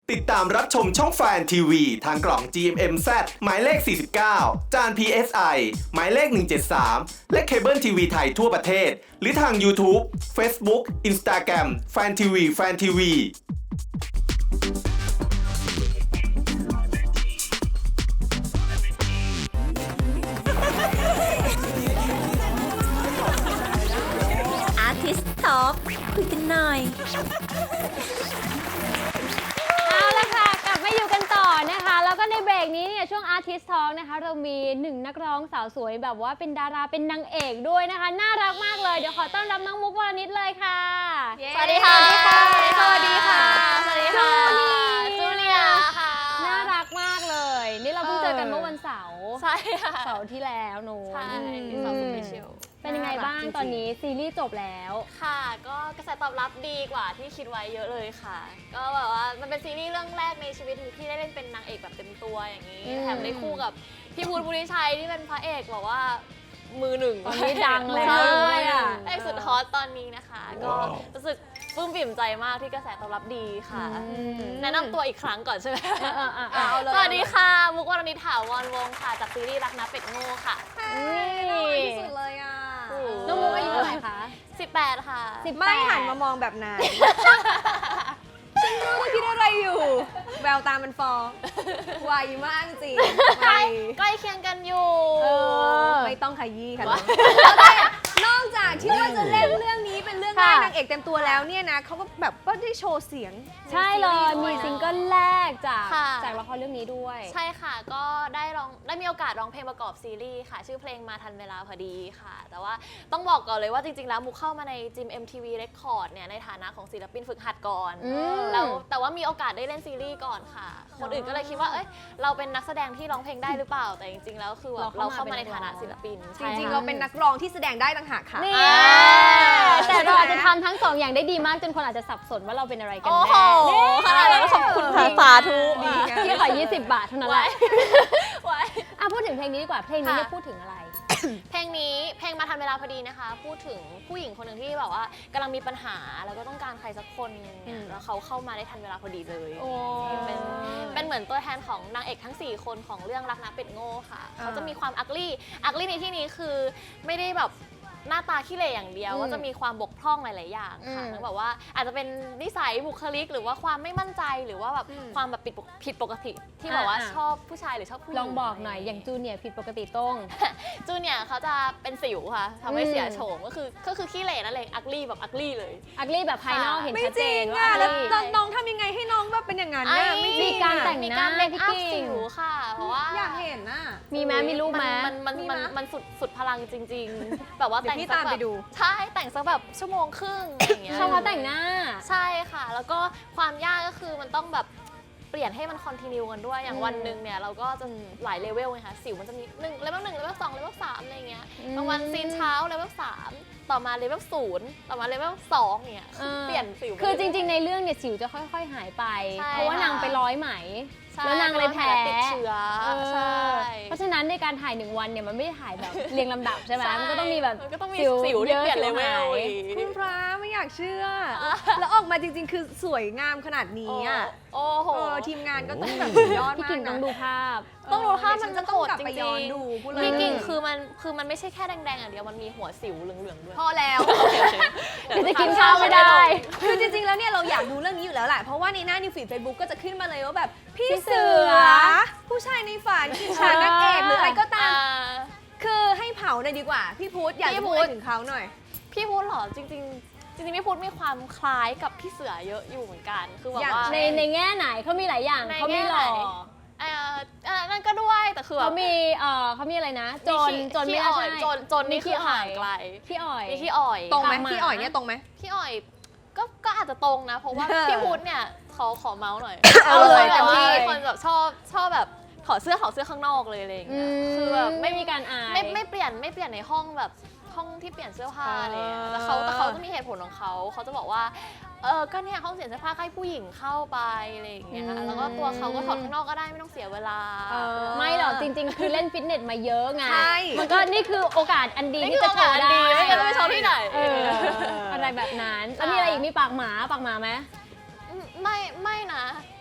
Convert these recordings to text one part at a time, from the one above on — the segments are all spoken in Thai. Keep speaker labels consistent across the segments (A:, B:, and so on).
A: ติดตามรับชมช่องแฟนทีวีทางกล่อง GMMZ หมายเลข 49 จาน PSI หมายเลข 173 และเคเบิลทีวีไทยทั่วประเทศ หรือทาง YouTube Facebook Instagram แฟนทีวี
B: Artist Talk คุยกันหน่อย
C: เอาละค่ะกลับมาอยู่กันต่อนะคะแล้วก็ในเบรกนี้เนี่ยช่วง Artist Talk นะคะเรามีหนึ่งนักร้องสาวสวยแบบว่าเป็นดาราเป็นนางเอกด้วยนะคะน่ารักมากเลยเดี๋ยวขอต้อนรับน้องมุกวรณิชเลยค่ะ
B: สวัสดีค่ะ
C: สวัสดีค่ะ
B: สวัสดีค่ะจูเนียค่ะ
C: น่ารักมากเลยนี่เราเพิ่งเจอกันเมื่อวันเสาร์
B: ใช่ค่ะ
C: เสาร์ที่แล้วหนู
B: ใช่เสาร์สุดเชียว
C: เป็นยังไงบ้างตอนนี้ซีรีส์จบแล้ว
B: ค่ะก็กระแสตอบรับดีกว่าที่คิดไว้เยอะเลยค่ะก็แบบว่ามันเป็นซีรีส์เรื่องแรกในชีวิตที่ได้เล่นเป็นนางเอกแบบเต็มตัวอย่างนี้แถมได้คู่กับพี่พุทธพุทธิชัยที่เป็นพระเอกบอกว่ามือหนึ่ง
C: ตอนนี้ดังแล้ว
B: ใช่
C: ด้วยอ่ะ
B: พระเอกสุดฮอตตอนนี้นะคะก็รู้สึกปลื้มปิ่มใจมากที่กระแสตอบรับดีค่ะแนะนำตัวอีกครั้งก่อนใช่ไหมสวัสดีค่ะมุกวรณิช ถาวรวงศ์ค่ะจากซีรีส์รักนะเป็ดโง่ค่ะ
C: นี่
D: ที่สุดเลยอ่ะ
C: น้องมุกอายุเท่าไหร่คะ
B: 18 ค่ะ
D: ไม่หันมามองแบบนั้น ฉันรู้ว่าคิดอะไรอยู่ แววตามันฟ้องไวมากจริงไว
B: ใกล้เคียงกันอยู่
D: ไม่ต้องขยี้ค่ะนอกจากที่ว่าจะเล่นเรื่องนี้เป็นเรื่องแรกนางเอกเต็มตัวแล้วเนี่ยนะเขาก็แบบก็ได้โชว์เสียง
C: ใช่เลยมีซิงเกิลแรกจาก
B: ค่ะ
C: ละครเรื่องนี้ด้วย
B: ใช่ค่ะก็ได้มีโอกาสร้องเพลงประกอบซีรีส์ค่ะ ชื่อเพลงมาทันเวลาพอดีค่ะ แต่ว่าต้องบอกก่อนเลยว่าจริงๆแล้วมุกเข้ามาในจิม MTV Record เนี่ยในฐานะของศิลปินฝึกหัดก่อน แล้วแต่ว่ามีโอกาสได้เล่นซีรีส์ก่อนค่ะ คนอื่นก็เลยคิดว่าเอ้ยเราเป็นนักแสดงที่ร้องเพลงได้หรือเปล่าแต่จริงๆแล้วคือแบบเราเข้ามาในฐานะศิลปิน
D: จริงๆเราเป็นนักร้องที่แสดงได้ต่างหากค่ะ
C: นี่แต่เราอาจจะทำทั้งสองอย่างได้ดีมากจนคนอาจจะสับสนว่าเราเป็นอะไรกัน
B: โอ้
C: แน่
B: โหขนาดนั้นขอบคุณค่ะสาธุ
C: พี่ขอ20 บาทเท่านั้นแห
B: ไว้
C: ละ
B: ไว้
C: พูดถึงเพลงนี้ดีกว่าเพลงนี้เนี่ย
B: ค่ะ
C: พูดถึงอะไร
B: เพลงนี้เพลงมาทันเวลาพอดีนะคะ พูดถึงผู้หญิงคนหนึ่งที่แบบว่ากำลังมีปัญหาแล้วก็ต้องการใครสักคนหนึ่งเนี่ยแล้วเขาเข้ามาได้ทันเวลาพอดีเลย เป็นเหมือนตัวแทนของนางเอกทั้ง 4 คนของเรื่องรักนะเป็ดโง่ค่ะเขาจะมีความอักลี่ในที่นี้คือไม่ได้แบบหน้าตาขี้เหร่อย่างเดียวว่าจะมีความบกพร่องหลาย ๆ อย่างค่ะแล้วแบบว่าอาจจะเป็นนิสัยบุคลิกหรือว่าความไม่มั่นใจหรือว่าแบบความแบบผิดปกติที่แบบว่าชอบผู้ชายหรือชอบผู้หญิง
C: ลองบอกหน่อยอย่างจูเนียร์ผิดปกติตรง
B: จูเนี่ยเขาจะเป็นสิวค่ะทำให้เสียโฉมก็คือขี้เหร่นั่นเลยอักลี่แบบอักลี่เลย
C: อักลี่แบบภายนอกเห็น
D: ไม่
C: ชัด
D: จ
C: เจ
D: ริง
C: นว่า
D: อ่ะ
C: อัก
D: แล้ว
C: ลี่
D: น้องทำยังไงให้น้องแบบเป็นอย่างนั้นน่ะไม่จริ
C: มี
D: ง
C: การ
D: อ่ะ
C: แต่ง
B: มี
C: ห
B: กา
C: น้าร
B: เมคอัพ
C: พี่กิ่
B: สิ
C: ง
B: วค่ะเพราะว่า
D: อยากเห็นน่ะ
C: มีไหมมีรูปไหม
B: มันสุดพลังจริง ๆ แบบว่า
D: เดี๋ยว
B: แต่ง
D: พี่
B: สัก
D: ตาม
B: แบ
D: ไป
B: บ
D: ดู
B: ใช่แต่งสักแบบชั่วโมงครึ่งอย่างเงี้ย
C: ชอบเขาแต่งหน้า
B: ใช่ค่ะ แล้วก็ความยากก็คือมันต้องแบบเปลี่ยนให้มันคอนติเนียกันด้วยอย่างวันหนึ่งเนี่ยเราก็จะหลายเลเวลไงคะสิวมันจะมี1เลเวล1เลเวล2เลเวล3อะไรเงี้ยบางวันซีนเช้าเลเวล3ต่อมาเลเวล0ต่อมาเลเวล2อย่างเงี้ยเปลี่ยนสิว
C: คือจริง ๆ ในเรื่องเนี่ยสิวจะค่อย ๆ หายไป
B: ใช่
C: เพราะว่านางไปร้อยไหม
B: ใช่
C: แล้วนางเลยแพ้
B: ติดเชื้อใช่
C: เพราะฉะนั้นในการถ่าย1 วันเนี่ยมันไม่ได้ถ่ายแบบ เรียงลำดับใช่ไหมมันก็ต้องมีแบบ
B: มันก็ต้องมีสิวที่เปลี่ยนเลเวลอีก
D: คุณพระไม่อยากเชื่อ แล้วออกมาจริงๆ คือสวยงามขนาดนี้อ่ะ
B: โอ้โห
D: ทีมงานก็ต้องแบบสุดยอด
C: พี่
D: มาก
C: กิ่งต้อ
D: นะ
C: งดูภาพ
B: ต้องดูภาพมัน
D: จะ
B: จะ
D: ต้
B: โห
D: อง
B: ด
D: กลับ
B: จ
D: ไป
B: ริง
D: ย้อน
B: ๆ
D: ดูพูดเลย
B: พี่กิ่งคือมันไม่ใช่แค่แดงๆอย่างเดียวมันมีหัวสิวเหลืองๆด้วย
D: พอแล้ว
C: เดี๋ยวจะกินข้าวไม่ได้
D: คือจริงๆ แล้วเนี่ยเราอยากดูเรื่องนี้อยู่แล้วแหละ เพราะว่าในหน้านิวฟีดเฟซบุ๊กก็จะขึ้นมาเลยว่าแบบพี่เสือ ผู้ชายในฝันกินชานนักเอกหรืออะไรก็ตาม คือให้เผาหน่อยดีกว่า พี่พุทธอยากจะพูดถึงเขาหน่อย
B: พี่พุทธเหรอจริงๆพี่พุทธมีความคล้ายกับพี่เสือเยอะอยู่เหมือนกันคือแบบว่า
C: ในแง่ไหนเขามีหลายอย่าง
B: ใน
C: เขามี
B: แง่
C: หล่อ
B: ไหน นั่นก็ด้วยแต่คือแบ
C: เขา
B: บ
C: มีเขามีอะไรนะจนไม่
B: ขี้
C: น่า
B: อ่อย
C: ใช่
B: จนนี่คือห่างไกล
C: พี่อ่อย
B: มีขี้อ่อย
D: ตรงไหม
C: ตามมา
D: พี่อ่อยเนี่ยตรงไหม
B: พี่อ่อยก็อาจจะตรงนะ เพราะว่า พี่พุทธเนี่ยขอเมาส์หน่อย
D: เอาเลย
B: แต่ว่า
D: เต็มที่
B: เป็นคนแบบชอบแบบถอดเสื้อข้างนอกเลยอะไรอย่างเงี้ยคือแบบไม่
C: มีการอาย
B: ไม่เปลี่ยนในห้องแบบห้องที่เปลี่ยนเสื้อผ้าอะไรอย่างเงี้ยแต่เขาจะมีเหตุผลของเขาจะบอกว่าก็เนี่ยห้องเปลี่ยนเสื้อผ้าให้ผู้หญิงเข้าไปอะไรอย่างเงี้ยแล้วก็ตัวเขาก็ถอดข้างนอกก็ได้ไม่ต้องเสียเวลา
C: ไม่หรอกจริง ๆ คือเล่นฟิตเนสมาเยอะไง
D: ใช่
C: มันก็นี่คือโอกาสอันดี
B: นี่
C: ที่
B: คือ
C: จะโชว์
B: โอกาส
C: ได้
B: ดีไม่งั้นจะไปโชว์ที่ไหน
C: อะไรแบบนั้นแล้วมีอะไรอีกมีปากหมาไหม
B: ไม่นะแต่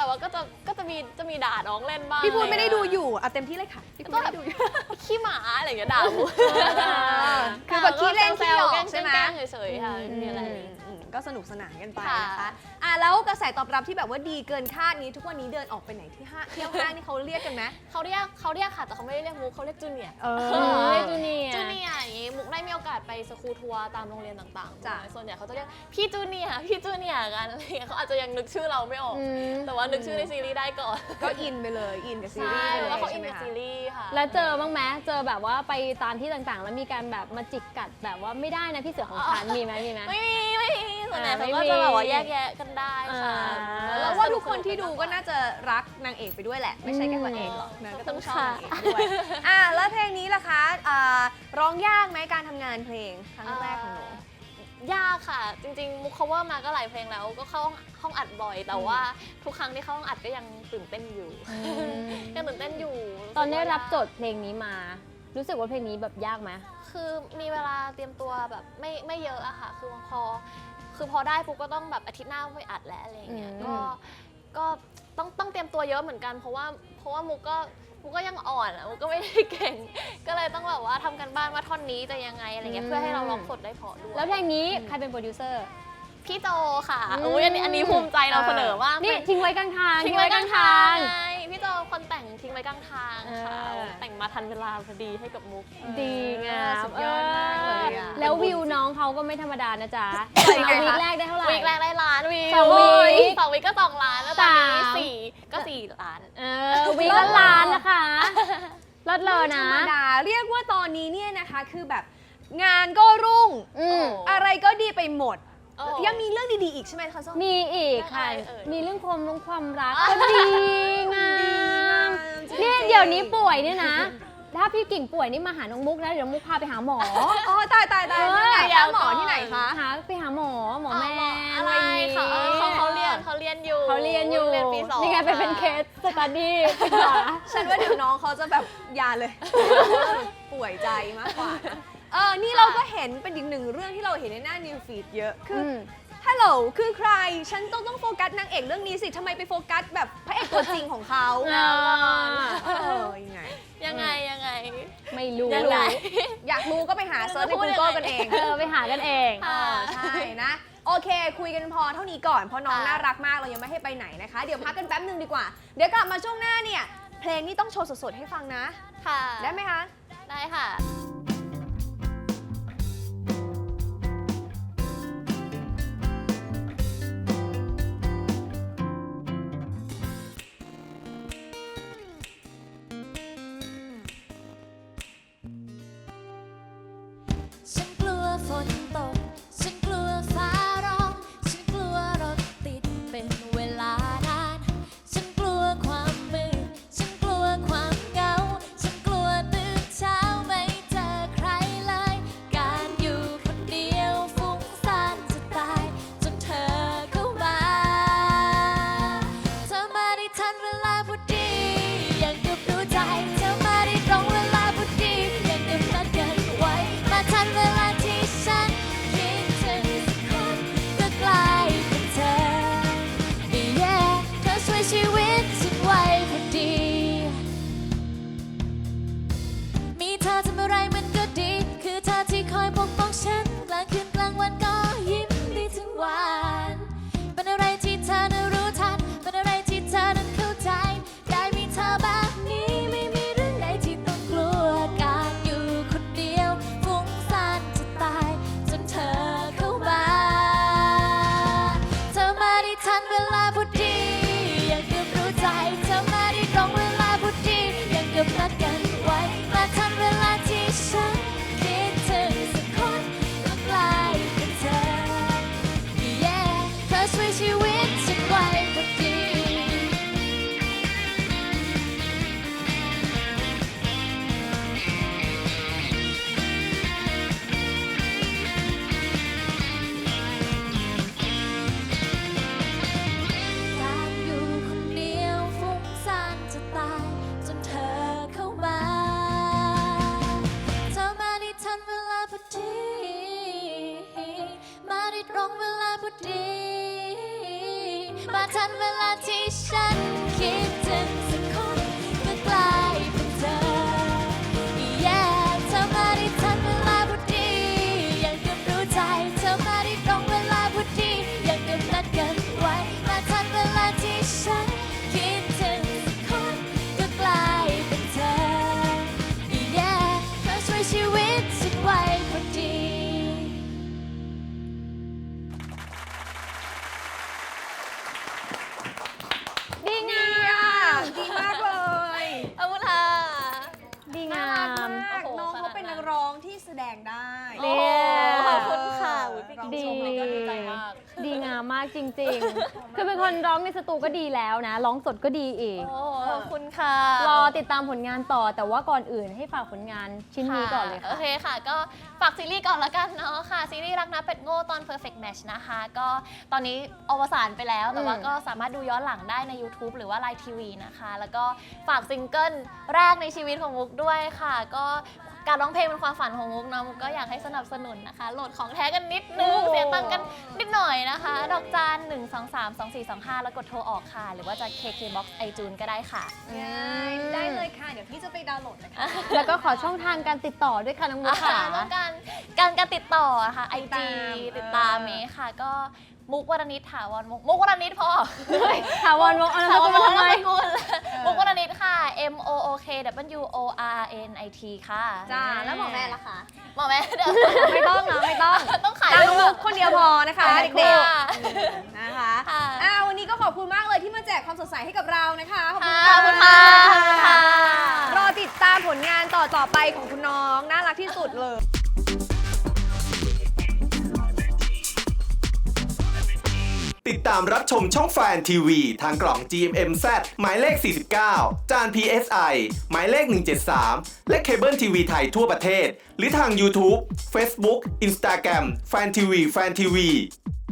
B: แต่ว่าก็จะมีด่าน้องเล่นบ้าง
D: พี่พูดไม่ได้ดูอยู่อ่ะเต็มที่เลยค่ะพี่พูดไม่ได้ดูอยู่
B: ขี้หมาอะไรอย่างเงี้ยด่ามุก
D: คือแบบขี้เล่นขี้หยอก
B: แกล้ง
D: ใช่ไหม
B: แกล้งเฉยๆค่ะไม่มีอะไร
D: ก็สนุกสนานกันไป
B: ค่ะ
D: นะคะแล้วกระแสตอบรับที่แบบว่าดีเกินคาดนี้ทุกวันนี้เดินออกไปไหนที่เที่ยวห้างนี่เขาเรียกกันไหม
B: เขาเรียกค่ะแต่เขาไม่ได้เรียกมุกเขาเรียกจูเนียร์
C: เรียกจูเนียร์
B: จูเนียร์อย่างงี้มุกได้มีโอกาสไปสคูลทัวร์ตามโรงเรียนต่างๆ
D: จ้ะ
B: ส่วนใหญ่เขาจะเรียกพี่จูเนียร์กันอะไรอย่างเงี้ยเขาอาจจะยังนึกชื่อเราไม่ออก แต่ว่านึกชื่อในซีรีส์ได้ก่อน
D: ก็อินไปเลยอินกับซีรี
B: ใช่
D: ส์ไปเลย
B: แล้วเขาอิ
D: ใช่
B: น
D: ไหม
B: กับ
D: คะ
B: ซีรีส์ค่ะ
C: แล้วเจอบ้างไหมเจอแบบว่าไปตามที่ต่างๆ แล้วมีการแบบมาจิกกัดแบบว่าไม่ได้นะพี่เสือของฉันมีไหม
B: ไม่มีส่วนใหญ่เขา
C: ไม่
B: ก็
C: มี
B: จะแบบว่าแยกแยะกันได้ค่ะ
D: แล้วว่าทุกคนที่ดูก็น่าจะรักนางเอกไปด้วยแหละ ไม่ใช่แค่ตัวเองหรอกนะก็ต้องชอบนางเอกด้วยแล้วเพลงนี้ล่ะคะร้องยากไหมการทำงานเพลงครั้งแรกของหนู
B: ยากค่ะ จริงๆมุก cover มาก็หลายเพลงแล้วก็เข้าห้องอัดบ่อย แต่ว่าทุกครั้งที่เข้าห้องอัดก็ยังตื่นเต้นอยู่ยังตื่นเต้นอยู่
C: ตอนได้รับโจทย์เพลงนี้มา รู้สึกว่าเพลงนี้แบบยากไหม
B: คือมีเวลาเตรียมตัวแบบไม่เยอะอะค่ะคือพอได้ปุ๊บก็ต้องแบบอาทิตย์หน้าไปอัดแล้วอะไรอย่างเงี้ยก็ต้องเตรียมตัวเยอะเหมือนกันเพราะว่ามุกก็ยังอ่อนอะมุกก็ไม่ได้เก่ง ก็เลยต้องแบบว่าทำกันบ้านว่าท่อนนี้จะยังไงอะไรเงี้ยเพื่อให้เราร้องสดได้เพอด้วย
C: แล้วเพลงนี้ใครเป็นโปรดิวเซอร์
B: พี่โจค่ะอุ้ยอันนี้ภูมิใจเราเสนอมาก
C: นี่ทิ้งไว้กลางทาง
B: ทิ้งไว้กลางทางไงพี่โจคนแต่งทิ้งไว้กลางทางค่ะแต่งมาทันเวลาพอดีให้กับมุก
C: ดีงาม
D: สุดยอดมากเลยอะ
C: แล้ววิวน้องเขาก็ไม่ธรรมดานะจ๊ะ
D: ยังไงคะ
C: วีคแรกได้เท่าไหร่
B: วีคแรกได้ล้านวิว
C: สองวีค
B: 2 วีคก็2 ล้านแล้วตอนนี้
C: สาม
B: 4 ก็ 4 ล้าน
C: วีคละล้านนะคะลดเลยนะ
D: ธรรมดาเรียกว่าตอนนี้เนี่ยนะคะคือแบบงานก็รุ่ง อะไรก็ดีไปหมด
B: โอ้
D: ยังมีเรื่องดีๆอีกใช่ไหมคะส้ม
C: มีอีกค่ะ
B: เรื่องอะไรเอ่ย
C: มีเรื่องความรักก็ดีงาม
D: จริงๆ
C: เนี่ยเดี๋ยวนี้ป่วยเนี่ยนะ ถ้าพี่กิ่งป่วยนี่มาหาน้องมุกนะเดี๋ยวมุกพาไปหาหมอ
D: อ๋อตายยังไงคะหมอที่ไหนคะ
C: ไปหาหมอแม่
B: อะไร
C: ย่างงี้
B: ค่ะเขาเรียนอยู่
C: เขาเรียนอยู่
B: เรียนปี 2
C: นี่ไงเป็นเคสสตัดดี้ศึกษา
D: ฉันว่าเดี๋ยวน้องเขาจะแบบยาเลย ป่วยใจมากกว่านะนี่เราก็เห็นเป็นอีกหนึ่งเรื่องที่เราเห็นในหน้า New Feed เยอะคืออฮัลโหลคือใครฉันต้องโฟกัสนางเอกเรื่องนี้สิทำไมไปโฟกัสแบบพระเอกตัวจริงของเขา ยังไง
B: ยังไง
C: ไม่รู้
B: ยังไง
D: อยากรู้ก็ไปหาเซิร์ชใน
B: พูดยังไง
D: Google กันเอง
C: ไปหากันเอง
D: ใช่นะ โอเค คุยกันพอเท่านี้ก่อน เพราะน้อง
B: ค่ะ
D: น่ารักมากเรายังไม่ให้ไปไหนนะคะ เดี๋ยวพักกันแป๊บนึงดีกว่า เดี๋ยวกลับมาช่วงหน้าเนี่ย เพลงนี้ต้องโชว์สดๆให้ฟังนะ
B: ค่ะ
D: ได้ไหมคะ
B: ได้ค่ะ
E: ฉันกลัวฝนตก ฉันกลัวฟ้าร้อง ฉันกลัวรถติดเป็นเวลานาน ฉันกลัวความมืด ฉันกลัวความเหงา ฉันกลัวตื่นเช้าไม่เจอ
C: มากจริงๆ คือเป็นคนร้องในสตูก็ดีแล้วนะ ร้องสดก็ดีอีก
B: โอ้ขอบคุณค่ะ
C: รอติดตามผลงานต่อ แต่ว่าก่อนอื่นให้ฝากผลงานชิ้นนี้ก่อนเลย
B: โอ
C: ค่ะ
B: เคค่ะ ก็ฝากซีรีส์ก่อนละกันเนาะค่ะ ซีรีส์รักนะเป็ดโง่ตอน Perfect Match นะคะ ก็ตอนนี้อวสานไปแล้ว แต่ว่าก็สามารถดูย้อนหลังได้ใน YouTube หรือว่า Line TV นะคะ แล้วก็ฝากซิงเกิลแรกในชีวิตของมุกด้วยค่ะ ก็การร้องเพลงเป็นความฝันของมุกเนาะมุกก็อยากให้สนับสนุนนะคะ โหลดของแท้กันนิดนึง เสียตังค์กันนิดหน่อยนะคะ ดอกจาน1232425 แล้วกดโทรออกค่ะ หรือว่าจะ KKBOX iTunes ก็ได้ค่ะ
D: ได้เลยค่ะ เดี๋ยวพี่จะไปดาวน์โหลดนะคะ
C: แล้วก็ขอช่องทางการติดต่อด้วยค่ะน้องมุกค่ะ
B: แล้วการติดต่ออะค่ะ IG ติดตามเมย์ค่ะ ก็มุกวรณิตถาวรมุกวรณิตพอ
C: ถาวรวงศ์เอานามสกุลมาทำไม
B: มุกวรณิตค่ะ MOOKWORNIT ค่ะ
D: จ้า แล้วหมอแม่ล่ะคะ
B: หมอแม่เดี๋ยว
D: ไม่ต้องนะไม่ต้อง
B: ต้องขาย
D: ตาม
B: รู
D: มุ
B: ป
D: กคนเดียวพอนะคะ
B: ค่ะ
D: เด็กๆนะคะ
B: ค่ะ
D: วันนี้ก็ขอบคุณมากเลยที่มาแจกความสดใสให้กับเรานะคะ ขอบคุณ
B: ขอบคุณค่ะขอบคุณค่ะ
D: รอติดตามผลงานต่อไปของคุณน้องน่ารักที่สุดเลย
A: ติดตามรับชมช่องแฟนทีวีทางกล่อง GMMZ หมายเลข 49 จาน PSI หมายเลข 173 และเคเบิลทีวีไทยทั่วประเทศ หรือทาง YouTube Facebook Instagram แฟนทีวี